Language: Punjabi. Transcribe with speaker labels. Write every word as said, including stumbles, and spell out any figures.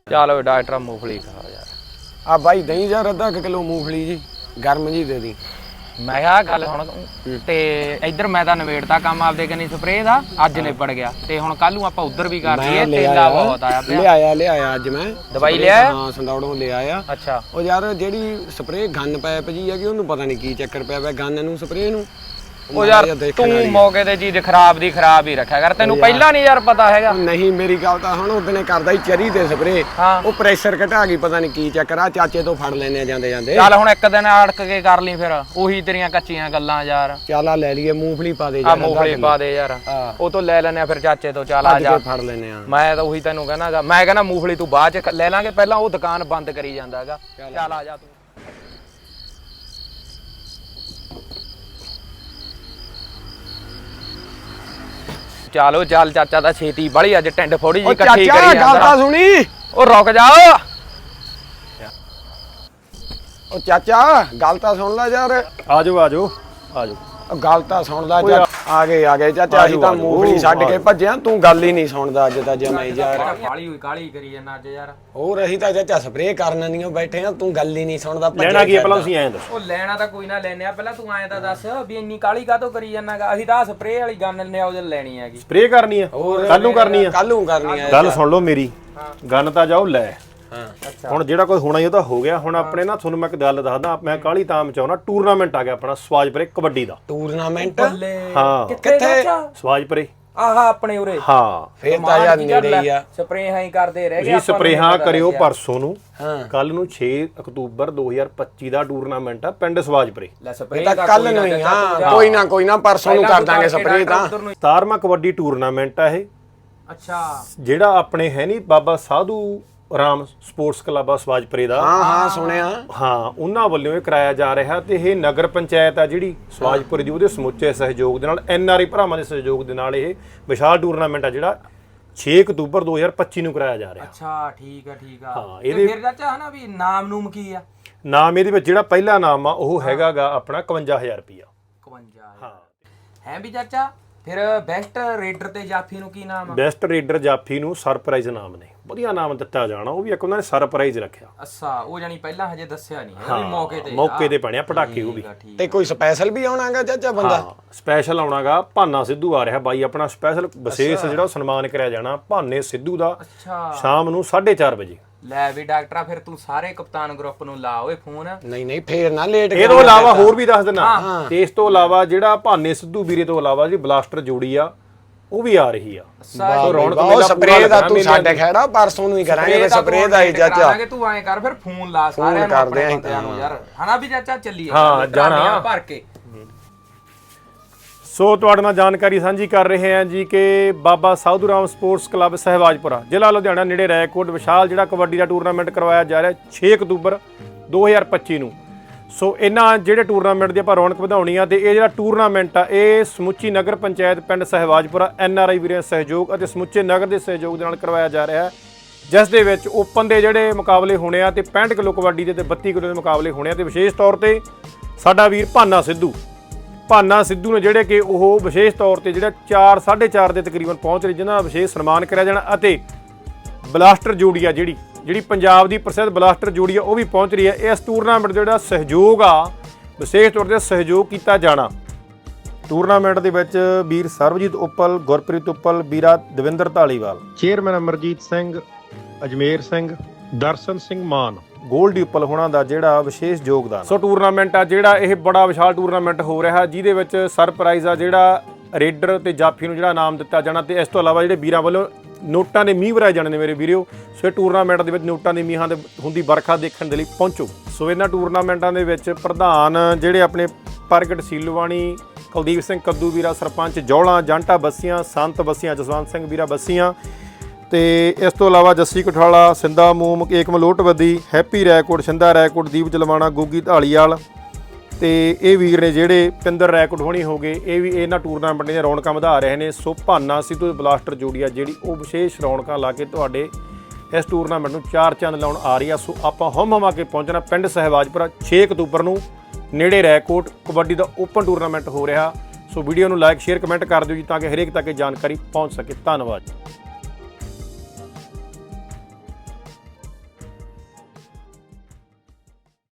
Speaker 1: चलो डॉक्टर मूंगफली खाओ यार।
Speaker 2: आ भाई दही यार अद्धा किलो मूंगफली जी गर्म जी दे दी।
Speaker 1: मैं क्या गल हुण ते इधर मैं तां नवेड़ता काम आपदे कनी स्प्रे दा अज निबड़ गया ते हुण कल नूं आपां उधर भी कर लईए। तेला बहुत आया पिया।
Speaker 2: ले आया ले आया अज मैं
Speaker 1: दवाई ले आया।
Speaker 2: हां संदौड़ों ले आया।
Speaker 1: अच्छा
Speaker 2: ओ यार जेड़ी स्प्रे गन पैप जी है कि ओनू पता नहीं की चक्कर पिया पिया गन नूं स्प्रे नूं।
Speaker 1: ओ यार तू मौके ते चीज खराब दी खराब ही रखा कर। तैनू पहला नहीं यार पता हैगा।
Speaker 2: नहीं मेरी गल तां हुण ओदने करदा ही चरी ते स्प्रे ओ प्रेशर घटा गई पता नहीं की चक्कर आ चाचे तो फड़ लेने जांदे जांदे।
Speaker 1: चल हुण एक दिन अड़क के कर ली फिर ओही तेरियां कच्चियां गल्लां यार।
Speaker 2: चल आ ले लईए मूंगफली पा दे
Speaker 1: आ मूंगफली पा दे यार ओ तो ले लेने फिर चाचे तो। चल आ जा
Speaker 2: फड़ लेने आ।
Speaker 1: मैं तो ओही तैनू कहनागा मैं कहना मूंगफली तू बाद च ले लांगे पहला ओ दुकान बंद करी जांदा हैगा। चल आ जा तू। चलो चल चाचा दा छेती बड़ी अज टिंड फोड़ी जी इकट्ठी करी
Speaker 2: गल तां सुनी।
Speaker 1: ओ रुक जा
Speaker 2: ओ चाचा गल तां सुन ला यार।
Speaker 3: आजो आजो आजो
Speaker 2: गल तां सुन ला चाचा। आ गए आ गए चाचा ਅਸੀਂ ਤਾਂ ਮੂੰਗਫਲੀ ਛੱਡ ਕੇ ਭੱਜਿਆ ਤੂੰ ਗੱਲ ਹੀ ਨਹੀਂ ਸੁਣਦਾ ਅੱਜ ਤਾਂ ਜਮਾਈ ਯਾਰ।
Speaker 1: ਕਾਲੀ ਹੋਈ ਕਾਲੀ ਕਰੀ ਜਾਂਦਾ ਅੱਜ ਯਾਰ।
Speaker 2: ਹੋਰ ਅਸੀਂ ਤਾਂ ਚਾਚਾ ਸਪਰੇਅ ਕਰਨ ਨਹੀਂ ਬੈਠੇ ਆ ਤੂੰ ਗੱਲ ਹੀ ਨਹੀਂ ਸੁਣਦਾ।
Speaker 3: ਲੈਣਾ ਕੀ ਪਹਿਲਾਂ ਤੁਸੀਂ ਐਂ ਦੱਸੋ।
Speaker 1: ਉਹ ਲੈਣਾ ਤਾਂ ਕੋਈ ਨਾ ਲੈਣੇ ਆ ਪਹਿਲਾਂ ਤੂੰ ਐਂ ਤਾਂ ਦੱਸ ਵੀ ਇੰਨੀ ਕਾਲੀ ਕਾਹਤੋਂ ਕਰੀ ਜਾਂਦਾਗਾ। ਅਸੀਂ ਤਾਂ ਸਪਰੇਅ ਵਾਲੀ ਗਨ ਨੇ ਉਹਦੇ ਲੈਣੀ ਹੈਗੀ।
Speaker 3: ਸਪਰੇਅ ਕਰਨੀ ਆ ਕੱਲ ਨੂੰ ਕਰਨੀ ਆ
Speaker 2: ਕੱਲ ਨੂੰ ਕਰਨੀ ਆ।
Speaker 3: ਗੱਲ ਸੁਣ ਲਓ ਮੇਰੀ ਗਨ ਤਾਂ ਜਾਓ ਲੈ।
Speaker 2: ਹਾਂ
Speaker 3: ਹੁਣ ਜਿਹੜਾ ਕੋਈ ਹੋਣਾ ਹੀ ਉਹ ਤਾਂ ਹੋ ਗਿਆ। ਹੁਣ ਆਪਣੇ ਨਾ ਤੁਹਾਨੂੰ ਮੈਂ ਇੱਕ ਗੱਲ ਦੱਸਦਾ ਮੈਂ ਕਾਲੀ ਤਾਂ ਮਚਾਉਣਾ ਟੂਰਨਾਮੈਂਟ ਆ ਗਿਆ ਆਪਣਾ ਸਵਾਜਪੁਰੇ ਕਬੱਡੀ ਦਾ।
Speaker 2: ਟੂਰਨਾਮੈਂਟ
Speaker 3: ਹਾਂ
Speaker 2: ਕਿੱਥੇ
Speaker 3: ਸਵਾਜਪੁਰੇ
Speaker 1: ਆਹਾ ਆਪਣੇ ਉਰੇ।
Speaker 3: ਹਾਂ
Speaker 2: ਫੇਰ ਤਾਂ ਯਾਰ ਨੇੜੇ ਹੀ ਆ।
Speaker 1: ਸਪਰੇਹਾਂ ਹੀ ਕਰਦੇ ਰਹਿ ਗਏ
Speaker 3: ਜੀ ਸਪਰੇਹਾਂ ਕਰਿਓ ਪਰਸੋਂ ਨੂੰ।
Speaker 2: ਹਾਂ
Speaker 3: ਕੱਲ ਨੂੰ ਛੇ ਅਕਤੂਬਰ ਦੋ ਹਜ਼ਾਰ ਪੱਚੀ ਦਾ ਟੂਰਨਾਮੈਂਟ ਆ ਪਿੰਡ ਸਵਾਜਪੁਰੇ।
Speaker 1: ਲੈ ਸਪਰੇਅ
Speaker 2: ਤਾਂ ਕੱਲ ਨੂੰ ਹੀ ਹਾਂ ਕੋਈ ਨਾ ਕੋਈ ਨਾ ਪਰਸੋਂ ਨੂੰ ਕਰ ਦਾਂਗੇ ਸਪਰੇਅ ਤਾਂ।
Speaker 3: ਸਤਾਰਵਾਂ ਕਬੱਡੀ ਟੂਰਨਾਮੈਂਟ ਆ ਇਹ।
Speaker 1: ਅੱਛਾ
Speaker 3: ਜਿਹੜਾ ਆਪਣੇ ਹੈ ਨਹੀਂ ਬਾਬਾ ਸਾਧੂ ਰਾਮ ਸਪੋਰਟਸ ਕਲੱਬ ਆ ਸਵਾਜਪੁਰੇ ਦਾ।
Speaker 2: ਹਾਂ ਹਾਂ ਸੁਣਿਆ।
Speaker 3: ਹਾਂ ਉਹਨਾਂ ਵੱਲੋਂ ਇਹ ਕਰਾਇਆ ਜਾ ਰਿਹਾ ਤੇ ਇਹ ਨਗਰ ਪੰਚਾਇਤ ਆ ਜਿਹੜੀ ਸਵਾਜਪੁਰੇ ਦੀ ਉਹਦੇ ਸਮੁੱਚੇ ਸਹਿਯੋਗ ਦੇ ਨਾਲ ਐਨ ਆਰ ਆਈ ਭਰਾਵਾਂ ਦੇ ਸਹਿਯੋਗ ਦੇ ਨਾਲ ਇਹ ਵਿਸ਼ਾਲ ਟੂਰਨਾਮੈਂਟ ਆ ਜਿਹੜਾ ਛੇ ਅਕਤੂਬਰ ਦੋ ਹਜ਼ਾਰ ਪੱਚੀ ਨੂੰ ਕਰਾਇਆ ਜਾ ਰਿਹਾ।
Speaker 1: ਅੱਛਾ ਠੀਕ ਆ ਠੀਕ ਆ।
Speaker 3: ਹਾਂ ਇਹਦੇ
Speaker 1: ਫਿਰ ਚਾਚਾ ਹਨਾ ਵੀ ਨਾਮ ਨੂਮ ਕੀ ਆ।
Speaker 3: ਨਾਮ ਇਹਦੇ ਵਿੱਚ ਜਿਹੜਾ ਪਹਿਲਾ ਨਾਮ ਆ ਉਹ ਹੈਗਾਗਾ ਆਪਣਾ ਇਕਵੰਜਾ ਹਜ਼ਾਰ ਰੁਪਇਆ।
Speaker 1: ਇਕਵੰਜਾ
Speaker 3: ਹਾਂ
Speaker 1: ਹੈ ਵੀ ਚਾਚਾ। ਫਿਰ ਬੈਸਟ ਰੇਡਰ ਤੇ ਜਾਫੀ ਨੂੰ ਕੀ ਨਾਮ ਆ।
Speaker 3: ਬੈਸਟ ਰੇਡਰ ਜਾਫੀ ਨੂੰ ਸਰਪ੍ਰਾਈਜ਼ ਨਾਮ ਨੇ ਵਧੀਆ ਨਾਮ ਦਿੱਤਾ ਜਾਣਾ। ਉਹ ਵੀ ਇੱਕ ਉਹਨਾਂ ਨੇ ਸਰਪ੍ਰਾਈਜ਼ ਰੱਖਿਆ।
Speaker 1: ਅੱਛਾ ਉਹ ਜਾਨੀ ਪਹਿਲਾਂ ਹਜੇ ਦੱਸਿਆ ਨਹੀਂ ਹੈ ਵੀ ਮੌਕੇ ਤੇ
Speaker 3: ਮੌਕੇ ਤੇ ਬਣਿਆ ਪਟਾਕੇ ਉਹ ਵੀ।
Speaker 2: ਤੇ ਕੋਈ ਸਪੈਸ਼ਲ ਵੀ ਆਉਣਾਗਾ ਚਾਚਾ ਬੰਦਾ।
Speaker 3: ਹਾਂ ਸਪੈਸ਼ਲ ਆਉਣਾਗਾ ਭਾਨਾ ਸਿੱਧੂ ਆ ਰਿਹਾ ਬਾਈ ਆਪਣਾ ਸਪੈਸ਼ਲ ਵਿਸ਼ੇਸ਼ ਜਿਹੜਾ ਸਨਮਾਨ ਕਰਿਆ ਜਾਣਾ ਭਾਨੇ ਸਿੱਧੂ ਦਾ।
Speaker 1: ਅੱਛਾ
Speaker 3: ਸ਼ਾਮ ਨੂੰ ਸਾਢੇ ਚਾਰ ਵਜੇ।
Speaker 1: ਲੈ ਵੀ ਡਾਕਟਰਾ ਫਿਰ ਤੂੰ ਸਾਰੇ ਕਪਤਾਨ ਗਰੁੱਪ ਨੂੰ ਲਾ ਓਏ ਫੋਨ।
Speaker 2: ਨਹੀਂ ਨਹੀਂ ਫੇਰ ਨਾ ਲੇਟ।
Speaker 3: ਇਹ ਤੋਂ ਇਲਾਵਾ ਹੋਰ ਵੀ ਦੱਸ ਦਿੰਦਾ ਤੇ ਇਸ ਤੋਂ ਇਲਾਵਾ ਜਿਹੜਾ ਭਾਨੇ ਸਿੱਧੂ ਵੀਰੇ ਤੋਂ ਇਲਾਵਾ ਜਿਹੜੀ ਬਲਾਸਟਰ ਜੋੜੀ ਆ ਉਹ ਵੀ ਆ ਰਹੀ ਆ।
Speaker 2: ਰੌਣਕ ਮੇਲਾ ਸਪਰੇਅ ਦਾ ਤੂੰ ਸਾਡੇ ਖੈੜਾ ਪਰਸੋਂ ਨੂੰ ਹੀ ਕਰਾਂਗੇ ਸਪਰੇਅ ਦਾ ਹੀ ਚਾਚਾ।
Speaker 1: ਤੂੰ ਐਂ ਕਰ ਫਿਰ ਫੋਨ ਲਾ ਸਾਰਿਆਂ ਨੂੰ ਆਪਣੇ ਬੰਦਿਆਂ ਨੂੰ ਯਾਰ ਹਨਾ ਵੀ ਚਾਚਾ ਚੱਲੀਏ।
Speaker 3: ਹਾਂ ਜਾਣਾ
Speaker 1: ਭਰ ਕੇ।
Speaker 3: ਸੋ ਤੁਹਾਡੇ ਨਾਲ ਜਾਣਕਾਰੀ ਸਾਂਝੀ ਕਰ ਰਹੇ ਹਾਂ ਜੀ ਕਿ ਬਾਬਾ ਸਾਧੂ ਰਾਮ ਸਪੋਰਟਸ ਕਲੱਬ ਸਹਿਵਾਜਪੁਰਾ ਜ਼ਿਲ੍ਹਾ ਲੁਧਿਆਣਾ ਨੇੜੇ ਰੈਕੋਟ ਵਿਸ਼ਾਲ ਜਿਹੜਾ ਕਬੱਡੀ ਦਾ ਟੂਰਨਾਮੈਂਟ ਕਰਵਾਇਆ ਜਾ ਰਿਹਾ ਛੇ ਅਕਤੂਬਰ ਦੋ ਹਜ਼ਾਰ ਪੱਚੀ ਨੂੰ। ਸੋ ਇਹਨਾਂ ਜਿਹੜੇ ਟੂਰਨਾਮੈਂਟ ਦੀ ਆਪਾਂ ਰੌਣਕ ਵਧਾਉਣੀ ਆ ਤੇ ਇਹ ਜਿਹੜਾ ਟੂਰਨਾਮੈਂਟ ਆ ਇਹ ਸਮੁੱਚੀ ਨਗਰ ਪੰਚਾਇਤ ਪਿੰਡ ਸਹਿਵਾਜਪੁਰਾ ਐਨ ਆਰ ਆਈ ਵੀਰਾਂ ਦੇ ਸਹਿਯੋਗ ਅਤੇ ਸਮੁੱਚੇ ਨਗਰ ਦੇ ਸਹਿਯੋਗ ਦੇ ਨਾਲ ਕਰਵਾਇਆ ਜਾ ਰਿਹਾ ਹੈ ਜਿਸ ਦੇ ਵਿੱਚ ਓਪਨ ਦੇ ਜਿਹੜੇ ਮੁਕਾਬਲੇ ਹੋਣੇ ਆ ਤੇ ਪੈਂਹਠ ਕਿਲੋ ਕਬੱਡੀ ਦੇ ਤੇ ਬੱਤੀ ਕਿਲੋ ਦੇ ਮੁਕਾਬਲੇ ਹੋਣੇ ਆ ਤੇ ਵਿਸ਼ੇਸ਼ ਤੌਰ ਤੇ ਸਾਡਾ ਵੀਰ ਭਾਨਾ ਸਿੱਧੂ ਭਾਨਾ ਸਿੱਧੂ ਨੇ ਜਿਹੜੇ ਕਿ ਉਹ ਵਿਸ਼ੇਸ਼ ਤੌਰ ਤੇ ਜਿਹੜਾ ਚਾਰ ਸਾਢੇ ਚਾਰ ਦੇ ਤਕਰੀਬਨ ਪਹੁੰਚ ਰਹੇ ਜਿਹਨਾਂ ਦਾ ਵਿਸ਼ੇਸ਼ ਸਨਮਾਨ ਕਰਿਆ ਜਾਣਾ ਅਤੇ ਬਲਾਸਟਰ ਜੋੜੀ ਆ ਜਿਹੜੀ ਜਿਹੜੀ ਪੰਜਾਬ ਦੀ ਪ੍ਰਸਿੱਧ ਬਲਾਸਟਰ ਜੋੜੀ ਆ ਉਹ ਵੀ ਪਹੁੰਚ ਰਹੀ ਹੈ। ਇਸ ਟੂਰਨਾਮੈਂਟ ਦਾ ਜਿਹੜਾ ਸਹਿਯੋਗ ਆ ਵਿਸ਼ੇਸ਼ ਤੌਰ ਤੇ ਸਹਿਯੋਗ ਕੀਤਾ ਜਾਣਾ। ਟੂਰਨਾਮੈਂਟ ਦੇ ਵਿੱਚ ਵੀਰ ਸਰਬਜੀਤ ਉੱਪਲ ਗੁਰਪ੍ਰੀਤ ਉੱਪਲ ਵੀਰਾ ਦਵਿੰਦਰ ਢਾਲੀਵਾਲ ਚੇਅਰਮੈਨ ਅਮਰਜੀਤ ਸਿੰਘ ਅਜਮੇਰ ਸਿੰਘ ਦਰਸ਼ਨ ਸਿੰਘ ਮਾਨ ਗੋਲਡੀ ਉੱਪਲ ਹੋਣਾ ਦਾ ਜਿਹੜਾ ਵਿਸ਼ੇਸ਼ ਯੋਗਦਾਨ। ਸੋ ਟੂਰਨਾਮੈਂਟ ਆ ਜਿਹੜਾ ਇਹ ਬੜਾ ਵਿਸ਼ਾਲ ਟੂਰਨਾਮੈਂਟ ਹੋ ਰਿਹਾ ਜਿਹਦੇ ਵਿੱਚ ਸਰਪ੍ਰਾਈਜ਼ ਆ ਜਿਹੜਾ ਰੇਡਰ ਤੇ ਜਾਫੀ ਨੂੰ ਜਿਹੜਾ ਇਨਾਮ ਦਿੱਤਾ ਜਾਣਾ ਤੇ ਇਸ ਤੋਂ ਇਲਾਵਾ ਜਿਹੜੇ ਵੀਰਾਂ ਵੱਲੋਂ ਨੋਟਾਂ ਦੇ ਮੀਂਹ ਵਰਾਏ ਜਾਣੇ ਨੇ ਮੇਰੇ ਵੀਰਿਓ। ਸੋ ਇਹ ਟੂਰਨਾਮੈਂਟ ਦੇ ਵਿੱਚ ਨੋਟਾਂ ਦੇ ਮੀਂਹਾਂ ਦੇ ਹੁੰਦੀ ਵਰਖਾ ਦੇਖਣ ਦੇ ਲਈ ਪਹੁੰਚੋ। ਸੋ ਇਹਨਾਂ ਟੂਰਨਾਮੈਂਟਾਂ ਦੇ ਵਿੱਚ ਪ੍ਰਧਾਨ ਜਿਹੜੇ ਆਪਣੇ ਪ੍ਰਗਟ ਸੀਲਵਾਣੀ ਕੁਲਦੀਪ ਸਿੰਘ ਕੱਦੂ ਵੀਰਾ ਸਰਪੰਚ ਜੌਲਾ ਜਾਂਟਾ ਬੱਸੀਆਂ ਸੰਤ ਬੱਸੀਆਂ ਜਸਵੰਤ ਸਿੰਘ ਵੀਰਾ ਬੱਸੀਆਂ ਤੇ ਇਸ ਤੋਂ ਇਲਾਵਾ ਜੱਸੀ ਕਠਾਲਾ ਸਿੰਦਾ ਮੂਮ ਏਕਮ ਲੋਟਵੱਦੀ ਹੈਪੀ ਰੈਕੋਟ ਸਿੰਦਾ ਰੈਕੋਟ ਦੀਪ ਜਲਵਾਣਾ ਗੋਗੀ ਢਾਲੀਵਾਲ ਤੇ ਇਹ ਵੀਰ ਨੇ ਜਿਹੜੇ ਪਿੰਦਰ ਰੈਕੋਟ ਹੋਣੀ ਹੋ ਗਏ ਇਹ ਵੀ ਇਹਨਾਂ ਟੂਰਨਾਮੈਂਟ ਦੀਆਂ ਰੌਣਕਾਂ ਵਧਾ ਰਹੇ ਨੇ। ਸੋ ਭਾਨਾ ਸਿੱਧੂ ਬਲਾਸਟਰ ਜੋੜੀ ਆ ਜਿਹੜੀ ਉਹ ਵਿਸ਼ੇਸ਼ ਰੌਣਕਾਂ ਲਾ ਕੇ ਤੁਹਾਡੇ ਇਸ ਟੂਰਨਾਮੈਂਟ ਨੂੰ ਚਾਰ ਚੰਦ ਲਾਉਣ ਆ ਰਹੀ ਆ। ਸੋ ਆਪਾਂ ਹਮ ਹਮਾ ਕੇ ਪਹੁੰਚਣਾ ਪਿੰਡ ਸਹਿਵਾਜਪੁਰਾ ਛੇ ਅਕਤੂਬਰ ਨੂੰ ਨੇੜੇ ਰੈਕੋਟ ਕਬੱਡੀ ਦਾ ਓਪਨ ਟੂਰਨਾਮੈਂਟ ਹੋ ਰਿਹਾ। ਸੋ ਵੀਡੀਓ ਨੂੰ ਲਾਈਕ ਸ਼ੇਅਰ ਕਮੈਂਟ ਕਰ ਦਿਓ ਜੀ ਤਾਂ ਕਿ ਹਰੇਕ ਤੱਕ ਇਹ ਜਾਣਕਾਰੀ ਪਹੁੰਚ ਸਕੇ। ਧੰਨਵਾਦ।